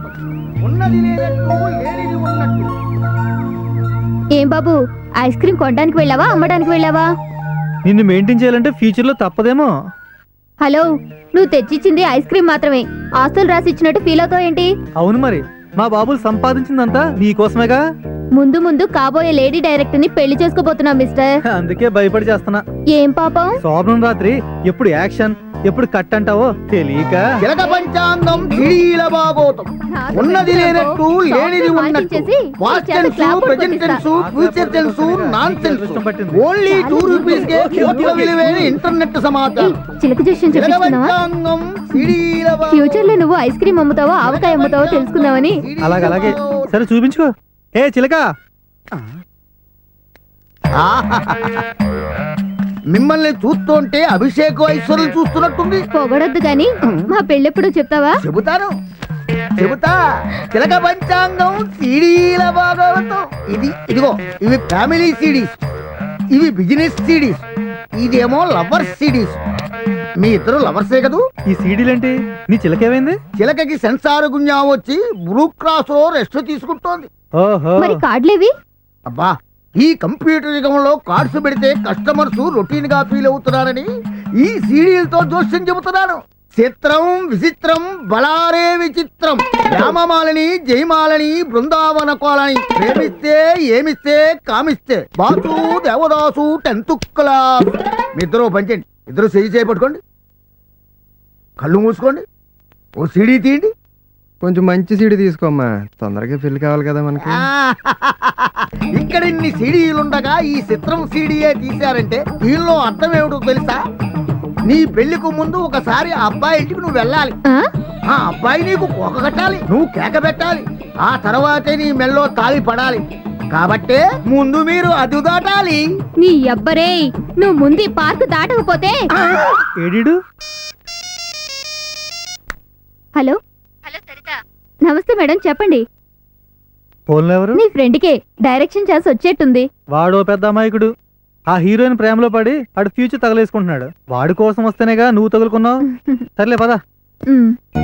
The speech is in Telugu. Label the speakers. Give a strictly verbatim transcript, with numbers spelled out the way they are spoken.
Speaker 1: ఉన్నది లేనట్టు లేనిది ఉన్నట్టు.
Speaker 2: ఏం బాబు, ఐస్ క్రీమ్ కొనడానికి వెళ్ళావా అమ్మడానికి వెళ్ళావా?
Speaker 3: నిన్ను మెయింటైన్ చేయాలంటే ఫ్యూచర్ లో తప్పదేమో.
Speaker 2: హలో, నువ్వు తెచ్చిచ్చింది ఐస్ క్రీమ్ మాత్రమే, ఆస్తులు రాసి ఇచ్చినట్టు ఫీల్ అవుతావు ఏంటి?
Speaker 3: అవును మరి, మా బాబులు సంపాదించిందంతా నీకోసమేగా.
Speaker 2: ముందు ముందు కాబోయే లేడీ డైరెక్టర్ ని పెళ్లి చేసుకోబోతున్నా మిస్టర్.
Speaker 3: అందుకే భయపడి చేస్తున్నా.
Speaker 2: ఏం పాపం?
Speaker 3: శోభనం రాత్రి ఎప్పుడు యాక్షన్ ఎప్పుడు కట్ అంటావో తెలియక.
Speaker 1: జలక పంచాంగం సిడీల బాగోతం. ఉన్నది లేనట్టు లేనిది ఉన్నట్టు. Past tense, present tense, future tense, non tense. Only two rupees కే కోట్ల విలువైన ఇంటర్నెట్ సమాచారం.
Speaker 2: చిలక జోష్యం
Speaker 1: జలక
Speaker 2: చెప్తున్నావా?
Speaker 1: పంచాంగం సిడీల బాగోతం.
Speaker 2: ఫ్యూచర్ లో నువ్వు ఐస్ క్రీమ్ అమ్ముతావో ఆవకాయ అమ్ముతావో తెలుసుకుందామని.
Speaker 3: అలాగే అలాగే, సరే చూపించుకో. ఏ చిలక,
Speaker 1: మిమ్మల్ని చూస్తుంటే అభిషేక్ ఐశ్వర్యం చూస్తున్నట్టుంది.
Speaker 2: పొగడొద్దు గాని మా పెళ్ళెప్పుడు చెప్తావా?
Speaker 1: చెబుతాను చెబుతా. తిలక పంచాంగం సీడీల భాగవతం. ఇది ఇదిగో, ఇవి ఫ్యామిలీ సిడీస్, ఇవి బిజినెస్ సిడీస్, ఇదేమో లవర్స్ సిడీస్. మీ ఇద్దరు లవర్సే కదూ?
Speaker 3: ఈ సీడీలేంటి? నీ చిలకేమైంది?
Speaker 1: చిలకకి సెన్సార్ గుంజా వచ్చి బ్లూ క్రాస్ లో రెస్ట్ తీసుకుంటోంది.
Speaker 3: ఓహో,
Speaker 2: మరి కార్డులేవి?
Speaker 1: అబ్బా, ఈ కంప్యూటర్ యుగంలో కార్డ్స్ పెడితే కస్టమర్స్ రొటీన్ గా ఫీల్ అవుతున్నారని ఈ సీడీలతో జోస్యం చెబుతున్నాను. చిత్రం విచిత్రం బలారే విచిత్రం. రామమాలని జయమాలని బృందావన కోలని. ప్రేమిస్తే ఏమిస్తే కామిస్తే. Boss Devadasu tenth class. మీ ఇద్దరు పంచండి, ఇద్దరు చేయి చేపట్టుకోండి, కళ్ళు మూసుకోండి, ఓ సీడీ తీయండి.
Speaker 4: కొంచెం మంచి సీడీ తీసుకోమ్మా, తొందరగా పెళ్లి కావాలి కదా మనకి.
Speaker 1: ఇక్కడ ఇన్ని సీడీలుండగా ఈ చిత్రం సీడీయే తీశారంటే దీనిలో అర్థం ఏమిటో తెలుసా? నీ పెళ్లికు ముందు ఒకసారి ఆ అబ్బాయి ఇంటికి నువ్వు వెళ్ళాలి.
Speaker 2: ఆ?
Speaker 1: ఆ అబ్బాయి నీకు కోక కట్టాలి, నువ్వు కేక పెట్టాలి. ఆ తర్వాతే నీ మెల్లో తాళి పడాలి. కాబట్టే ముందు మీరు అదు దాటాలి.
Speaker 2: నీ అబ్బరే, నువ్వు ముందు ఈ పార్క్ దాటకపోతే.
Speaker 3: ఏడీడు?
Speaker 2: హలో హలో సరిత, నమస్తే మేడం, చెప్పండి.
Speaker 3: ఫోన్లో ఎవరు?
Speaker 2: నీ ఫ్రెండ్ కే డైరెక్షన్ చేసి వచ్చేట్టుంది.
Speaker 3: వాడో పెద్ద అమాయకుడు. ఆ హీరోయిన్ ప్రేమలో పడి ఆడు ఫ్యూచర్ తగలేసుకుంటున్నాడు. వాడి కోసం వస్తేనేగా నువ్వు తగులుకున్నావు. సర్లే పదా.
Speaker 2: ఉమ్.